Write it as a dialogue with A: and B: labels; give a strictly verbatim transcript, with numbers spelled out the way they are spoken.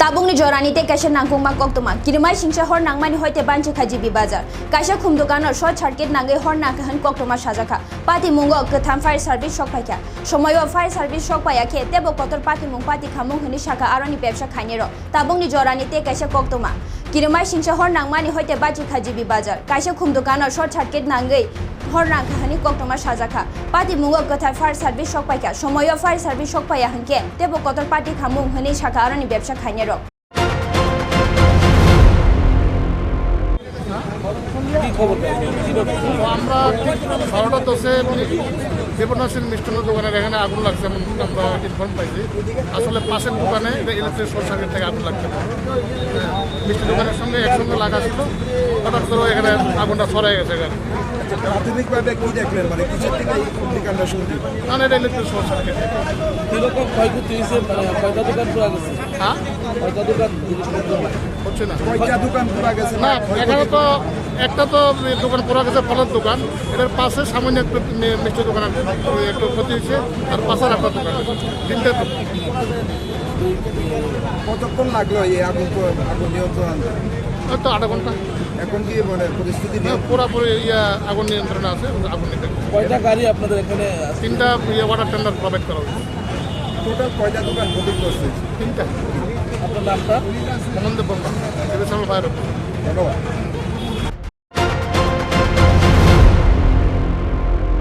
A: Tabungni jorani te kaisa nangkung mak koktoma kirimai singsa hor nangmani hoite banchi khaji bi bazar kaisa khum dokanor short circuit nangai hor nangkahan koktoma sajaka pati mungo katham fire service shok paikya somoyo fire service shok paya khe tebo kotor pati mung pati khamung hini shaka aroni ব্যবসা khainero tabungni jorani te kaisa koktoma kirimai singsa hor nangmani hoite banchi khaji bi bazar kaisa khum dokanor short circuit nangai hor nangkahani koktoma sajaka pati mungo katham fire service shok paikya somoyo fire service shok paya hanke tebo kotor pati khamung hini shaka aroni ব্যবসা khainero
B: আমরা বারোটা দশে দেবনাথের মিষ্টান্ন দোকানের এখানে আগুন লাগছে এমন আমরা ইনফর্ম পাইছি আসলে পাশের দোকানে ইলেকট্রিক শর্ট সার্কিট থেকে আগুন লাগছে মিষ্টি দোকানের সঙ্গে একসঙ্গে লাগা ছিল হঠাৎ করে এখানে আগুনটা ছড়াই গেছে এখানে
C: প্রাথমিকভাবে কি দেখলেন মানে কিসের থেকে এই অগ্নিকাণ্ডটা শুরু হলো?
B: কারণ এটা ইলেকট্রিক শর্ট সার্কিট
D: কিরকম ক্ষয়ক্ষতি হয়েছে মানে কয়টা দোকান পুরা গেছে
B: হ্যাঁ
D: কয়টা দোকান
B: হচ্ছে না
C: কয়টা দোকান পুরা গেছে
B: না এখানে তো একটা তো দোকান পড়া গেছে ফলের দোকান এটার পাশে সামান্য একটু মিষ্টি দোকান একটু ক্ষতি হয়েছে আর পাশের একটা দোকান তিনটে দোকান
C: কতক্ষণ লাগলো এই আগুন প- আগুন নিয়ন্ত্রণ আনতে?
B: হয়তো আধা ঘন্টা
C: এখন কি মানে পরিস্থিতি নিয়ে
B: পুরোপুরি ইয়া আগুন নিয়ন্ত্রণে আছে আগুন নিতে
D: কয়টা গাড়ি আপনাদের এখানে আছে?
B: তিনটা ইয়ে ওয়াটার টেন্ডার প্রোভাইড করা হয়েছে
C: টোটাল কয়টা দোকান ক্ষতিগ্রস্ত হয়েছে?
B: তিনটা
D: আপনার নামটা
B: মনন্দে বন্ধ এবিএসএল ফায়ার
C: ধন্যবাদ।